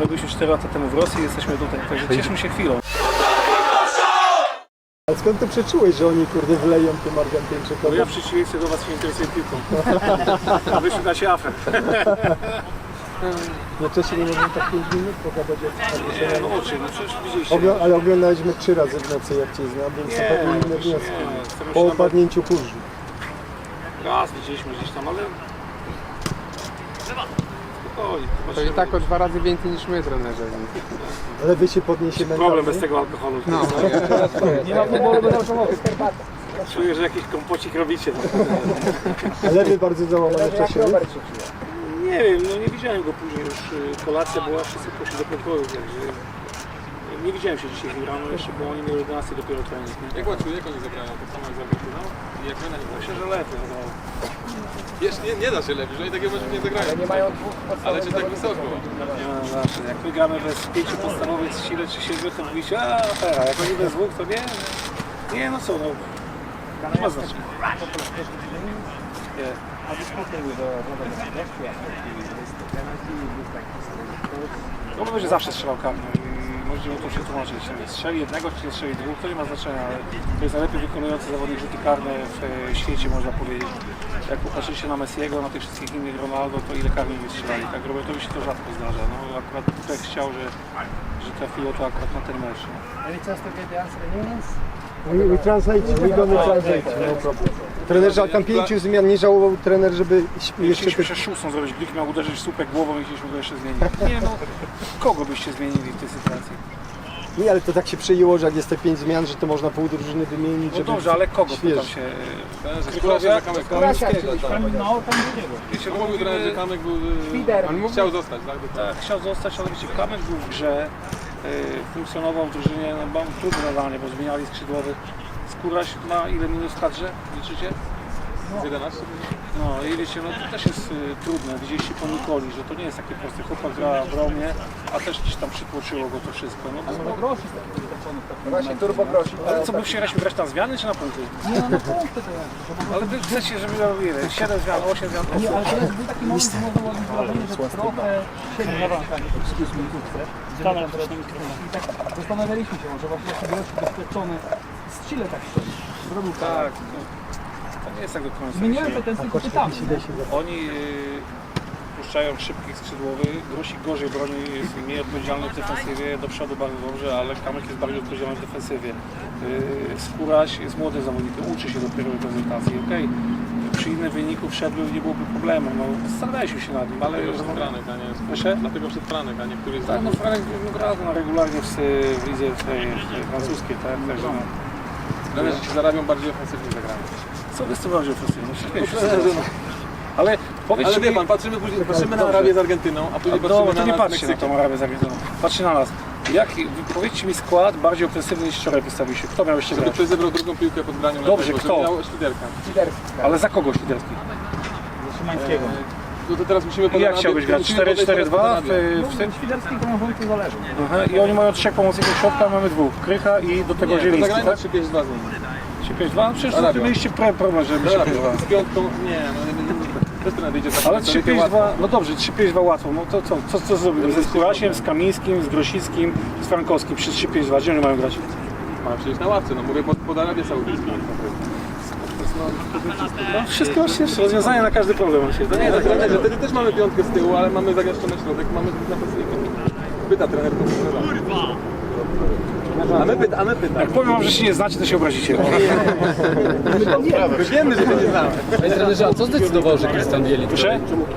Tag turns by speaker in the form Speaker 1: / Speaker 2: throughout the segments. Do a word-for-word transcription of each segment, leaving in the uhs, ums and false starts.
Speaker 1: bo byliśmy cztery lata temu w Rosji i jesteśmy tutaj, także cieszmy się chwilą.
Speaker 2: A skąd ty przeczułeś, że oni kurde wleją tym Argentyńczykom?
Speaker 1: Bo ja w przeciwieństwie do was się interesuję piłką. Wyszukacie afer.
Speaker 2: No wcześniej nie mogłem tak pięć minut pogadać jak
Speaker 1: Nie, no oczy, no przecież widzieliście.
Speaker 2: Ogl ale oglądaliśmy trzy razy w nocy jak cię znam, więc to pewnie inne wnioski.
Speaker 1: nie,
Speaker 2: Po opadnięciu kurzu.
Speaker 1: Raz widzieliśmy gdzieś tam, ale... Spokojnie.
Speaker 3: To i tak o dwa razy więcej niż my, trenerze.
Speaker 2: Ale wy się podniesie mentalnie.
Speaker 1: Problem bez tego alkoholu.
Speaker 3: No.
Speaker 1: Nie ma futbolu bez alkoholu. Czuję, że jakiś kompocik robicie.
Speaker 2: Ale wy bardzo załamane w czasie.
Speaker 1: Nie wiem, no nie widziałem go później już. Kolacja była, wszyscy poszli do pokoju, także... Nie widziałem się dzisiaj z rano jeszcze, bo oni mieli jedenastej dopiero trening. Nie?
Speaker 4: Jak łatwo, jak oni zagrają? Tak samo jak z Argentyną? I jak my na nich
Speaker 1: Myślę, że lepiej. No.
Speaker 4: Wiesz, nie, nie da się lepiej, że oni takiego meczu nie zagrają. Nie mają dwóch ale czy tak wysoko?
Speaker 1: Nie ma zawsze. Jak my gramy bez pięciu podstawowych z sile czy siedmiu, to mówicie, a afera, jak oni bez dwóch, to nie? Nie, no co, no. Nie ma znaczenia. Nie. No będzie zawsze strzelał karny i możemy to się tłumaczyć. Strzeli jednego czy nie strzeli dwóch, to nie ma znaczenia, ale to jest najlepiej wykonujący zawodnik rzuty karne w świecie, można powiedzieć. Jak popatrzycie na Messiego, na tych wszystkich innych Ronaldo, to ile karnych nie strzelali. Tak Robertowi się to rzadko zdarza. No akurat tutaj chciał, że, że trafiło to akurat na ten mecz.
Speaker 2: We, we translate, we gonna translate, no problem. Trenerze, a tam pięciu zmian nie żałował trener, żeby jeszcze...
Speaker 1: Chcieliśmy jeszcze szóstą zrobić, Glik miał uderzyć w słupek głową i chcieliśmy go jeszcze zmienić. Nie no, kogo byście zmienili w tej sytuacji?
Speaker 2: Nie, ale to tak się przejęło, że jak jest te pięć zmian, że to można pół drużyny wymienić,
Speaker 1: No
Speaker 2: żeby...
Speaker 1: dobrze, ale kogo
Speaker 2: śwież.
Speaker 1: pytam się?
Speaker 4: Skórasia, Kamek
Speaker 1: Kamińskiego, tak.
Speaker 5: No, tam drugiego.
Speaker 1: Wiecie,
Speaker 4: No mówił trener, że Kamek był...
Speaker 5: Świder.
Speaker 4: On chciał zostać, tak?
Speaker 1: Tak, chciał zostać, ale wiecie, Kamek był w grze, y, funkcjonował w drużynie, no mam trudne zadanie, bo zmieniali skrzydłowych. Skóraś ma ile minut w kadrze, liczycie?
Speaker 4: Z jedenaście?
Speaker 1: No i wiecie, no to też jest y, trudne, widzieliście po Nikoli, że to nie jest takie proste. Chłopak gra w Romie, a też gdzieś tam przytłoczyło go to wszystko. No, to,
Speaker 5: Właśnie turbo grosi.
Speaker 1: ale co, by chcieliśmy grać na zmiany czy na punkty?
Speaker 5: Nie, no na punkty to jest.
Speaker 1: Ale wy chcecie, żeby ja mówiłem, siedem zmian, osiem zmian,
Speaker 5: Nie, ale teraz był taki moment, że można było wrażenie, że trochę siedzi na wankach, excuse me, kurczę. I tak zastanawialiśmy się, może właśnie taki gość doświadczony z Chile tak szczerze. Zrobił
Speaker 1: tak. No, to nie jest tak do końca.
Speaker 5: Zmieniałem pretensje pytamy.
Speaker 1: Oni y, puszczają szybkich skrzydłowych, Grosik gorzej broni, jest mniej odpowiedzialny w defensywie, do przodu bardzo dobrze, ale Kamek jest bardziej odpowiedzialny w defensywie. Y, Skóraś jest młodym zawodnikiem, uczy się dopiero reprezentacji, okej. Okay. Przy innym wyniku wszedłby, nie byłoby problemu, no zastanawialiśmy się nad nim, ale...
Speaker 4: Dlatego przed Franek, a nie...
Speaker 1: Proszę?
Speaker 4: Dlatego przed Franek, a nie któryś z
Speaker 1: Tak, no Franek no, gra no, regularnie w, w lidze w tej, w francuskiej, tak, także no.
Speaker 4: Trenerzy ci zarabią bardziej ofensywnie zagranie.
Speaker 1: Co jest to bardziej ofensywne? Ale powiedzcie
Speaker 4: Ale wie
Speaker 1: mi...
Speaker 4: pan, patrzymy, później, patrzymy na Arabię z Argentyną, a później
Speaker 1: No,
Speaker 4: patrzymy
Speaker 1: to
Speaker 4: na
Speaker 1: nie
Speaker 4: nas
Speaker 1: patrzcie na
Speaker 4: Meksykiem.
Speaker 1: tą Arabię z Argentyną. Patrzcie na nas. Jak, powiedzcie mi skład bardziej ofensywny niż wczoraj wystawiliście. Kto miał jeszcze
Speaker 4: Żeby
Speaker 1: grać?
Speaker 4: ktoś zebrał drugą piłkę pod graniu
Speaker 1: Dobrze,
Speaker 4: lewego,
Speaker 1: kto?
Speaker 4: żeby miał Świderka.
Speaker 1: Ale za kogo Świderski?
Speaker 5: Szymańskiego.
Speaker 4: No to teraz musimy pod
Speaker 1: Jak
Speaker 4: Arabię-
Speaker 1: chciałbyś grać?
Speaker 4: musimy
Speaker 1: cztery
Speaker 4: podejść
Speaker 1: cztery
Speaker 4: teraz pod
Speaker 1: dwa
Speaker 4: Arabię.
Speaker 1: w, w tym?
Speaker 5: Świderski krążący zależy.
Speaker 1: Aha, i oni mają trzech pomocników środka, mamy dwóch. Krycha i do tego
Speaker 4: Nie, to
Speaker 1: Zieliński,
Speaker 4: zagrajmy
Speaker 1: tak?
Speaker 4: trzy pięć dwa z nimi.
Speaker 1: trzy pięć dwa? No przecież
Speaker 4: Arabia.
Speaker 1: to mieliście pro- problem, żeby trzy pięć dwa.
Speaker 4: Z piątką, nie, no nie, nie, nie. Bez tego nadejdzie tak.
Speaker 1: Ale trzy pięć dwa, no dobrze, trzy pięć dwa łatwo. No to co, co, co zrobimy? Ze Skórasiem, z Kamińskim, z Grosickim, z Frankowskim przy trzy pięć dwa. Gdzie oni mają grać?
Speaker 4: Ma przecież na ławce, no mówię pod, pod Arabię Saudyjską.
Speaker 1: No, wszystko jest rozwiązanie na każdy problem. To
Speaker 4: Nie, tak trenerze, wtedy też mamy piątkę z tyłu, ale mamy zagęszczony środek, mamy dwóch napastników. Pyta trener po trenerze. A my pyta, a my pyta.
Speaker 1: Jak powiem wam, że się nie znacie, to się obrazicie.
Speaker 4: My wiemy, że się nie znamy.
Speaker 6: Panie trenerze, a co zdecydował, że Krystian Bielik?
Speaker 1: Proszę?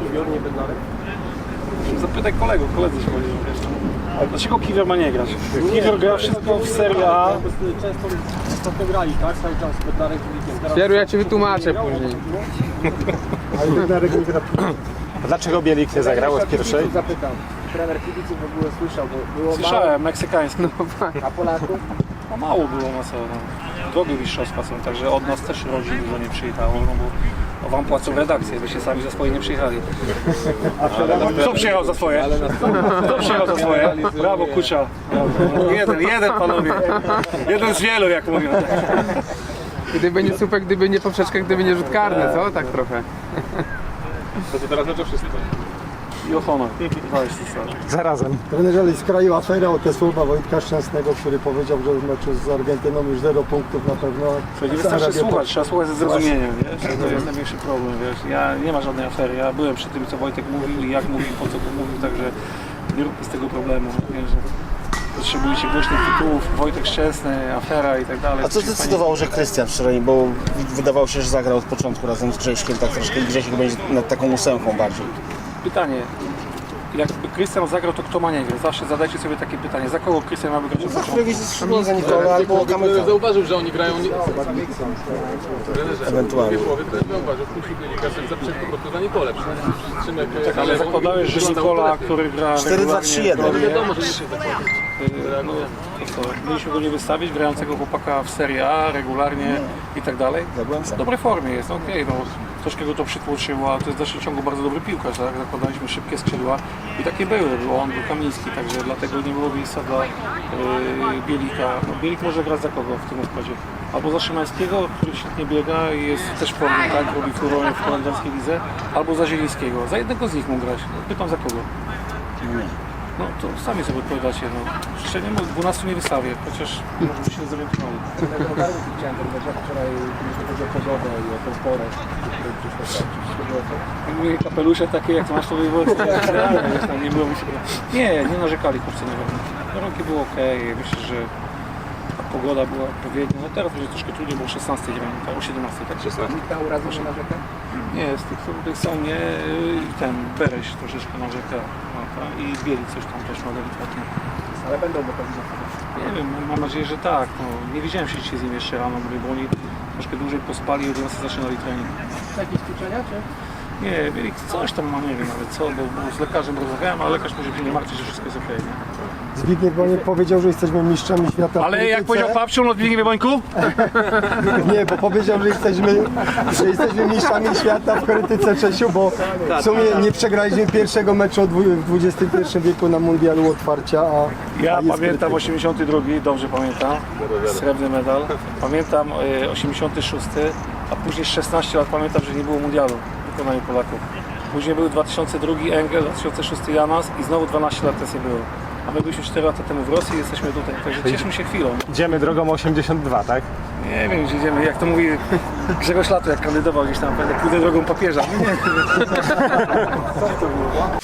Speaker 1: Zapytaj kolegów, koledzy się powiedzieli. Ale dlaczego Kiwior ma nie grać? Kiwior gra wszystko w Serie A.
Speaker 5: Często grali, tak? Cały czas z Bednarek i
Speaker 3: Pieru, ja ci wytłumaczę później.
Speaker 2: Ale Bednarek nie gra.
Speaker 7: A dlaczego Bielik nie zagrał w pierwszej?
Speaker 5: Zapytam. Trener kibiców w ogóle słyszał, bo było
Speaker 1: Słyszałem, meksykański.
Speaker 5: mało, a Polaków?
Speaker 1: No mało było na co. No. Drogi mistrzostwa są, także od nas też rodzin dużo nie przyjechało, no bo wam płacą redakcję, byście sami za swoje nie przyjechali. Kto przyjechał za swoje? Kto przyjechał za swoje? Brawo, Kucza. Brawo. Jeden, jeden panowie. Jeden z wielu, jak mówią.
Speaker 3: Gdyby nie słupek, gdyby nie poprzeczka, gdyby nie rzut karny, co? Tak trochę.
Speaker 4: To, to teraz mecz o wszystko.
Speaker 1: I o honor. To jest zasada.
Speaker 7: Zarazem.
Speaker 2: Trenerze, ale z kraju afera o te słowa Wojtka Szczęsnego, który powiedział, że w meczu z Argentyną już zero punktów na pewno.
Speaker 1: To nie
Speaker 2: A
Speaker 1: wystarczy
Speaker 2: Arabia
Speaker 1: słuchać, trzeba słuchać ze zrozumieniem, wiesz? To jest największy problem, wiesz? Ja nie ma żadnej afery, ja byłem przy tym, co Wojtek mówił i jak mówił, po co to mówił, także nie róbmy z tego problemu, wiesz, że potrzebujecie głośnych tytułów, Wojtek Szczęsny, afera i tak dalej.
Speaker 7: A co zdecydowało, że Krystian wczoraj, bo wydawało się, że zagrał od początku razem z Grześkiem, tak troszkę i Grzesiek będzie nad taką ósemką bardziej.
Speaker 1: Pytanie, jakby Krystian zagrał, to kto ma nie grać? Zawsze zadajcie sobie takie pytanie, za kogo Krystian ma grać?
Speaker 7: Za któregoś ze skrzydła, za Nikola albo Kamyka.
Speaker 4: Zauważył, że oni grają nie...
Speaker 7: Ewentualnie.
Speaker 4: W połowie to zauważył, w później Kasek zaprzeczył po prostu za Nikolę. Szymek,
Speaker 1: Tak, ale zakładałeś, że Nikola, który gra
Speaker 7: cztery dwa trzy jeden.
Speaker 1: regularnie,
Speaker 4: wiadomo, że nie się zakłada.
Speaker 1: no, to co, mieliśmy go nie wystawić, grającego chłopaka w Serie A regularnie i tak dalej.
Speaker 7: byłem
Speaker 1: W
Speaker 7: sam.
Speaker 1: dobrej formie jest, no okej, no troszkę go to przytłoczyło, ale to jest w dalszym ciągu bardzo dobry piłkarz, tak? Zakładaliśmy szybkie skrzydła i takie były, było on był Kamiński, także dlatego nie było miejsca dla yy, Bielika. No, Bielik może grać za kogo w tym układzie? Albo za Szymańskiego, który świetnie biega i jest też w formie, tak? Robi furorę w holenderskiej lidze, albo za Zielińskiego. Za jednego z nich mógł grać. No, pytam za kogo? No to sami sobie odpowiadacie, no. Jeszcze nie mógł, dwunastu nie wystawię, chociaż może się zorientowali.
Speaker 2: Chciałem powiedzieć wczoraj, jeśli chodzi o pogodę i o tą porę,
Speaker 1: Mówię, kapelusze takie jak masz, to by było realne, wiesz, no, nie było mi się... Nie, nie narzekali chłopcy na pewno. Warunki było ok, myślę, że pogoda była odpowiednia. No teraz będzie troszkę trudniej, bo o szesnastej gramy, tak, o siedemnastej, tak?
Speaker 3: Nikt na urazu nie narzeka?
Speaker 1: Nie, z tych, których są nie, i ten Bereś troszeczkę narzeka, no, tak, i Bielik coś tam też ma delikatnie.
Speaker 3: Ale będą go pewnie.
Speaker 1: Nie wiem, mam nadzieję, że tak. No, nie widziałem się dzisiaj z nim jeszcze rano, mówię, bo oni troszkę dłużej pospali i od jedenastej zaczynali trening.
Speaker 3: Jakieś ćwiczenia, czy?
Speaker 1: Nie, Bielik coś tam ma, nie wiem nawet co, bo, bo z lekarzem rozmawiałem, ale lekarz mówi, że się nie martwi, że wszystko jest okej, nie?
Speaker 2: Zbigniew Boniek powiedział, że jesteśmy mistrzami świata w
Speaker 1: Ale jak
Speaker 2: krytyce.
Speaker 1: powiedział Papciu, no Zbigniewie Bońku?
Speaker 2: Nie, bo powiedział, że jesteśmy, że jesteśmy mistrzami świata w krytyce, Czesiu, bo w sumie nie przegraliśmy pierwszego meczu od dwu- w dwudziestym pierwszym wieku na mundialu otwarcia, a
Speaker 1: Ja
Speaker 2: a jest
Speaker 1: pamiętam
Speaker 2: krytyka.
Speaker 1: osiemdziesiąty drugi, dobrze pamiętam, srebrny medal. Pamiętam y, osiemdziesiąty szósty, a później szesnaście lat pamiętam, że nie było mundialu w wykonaniu Polaków. Później był dwa tysiące drugi Engel, dwa tysiące szósty Janas i znowu dwanaście lat też nie było. A my byliśmy cztery lata temu w Rosji i jesteśmy tutaj, także cieszmy się chwilą.
Speaker 7: Idziemy drogą osiemdziesiąt dwa, tak?
Speaker 1: Nie wiem, gdzie idziemy, jak to mówi Grzegorz Lato, jak kandydował gdzieś tam, pójdę drogą papieża. Nie, nie. Co to było?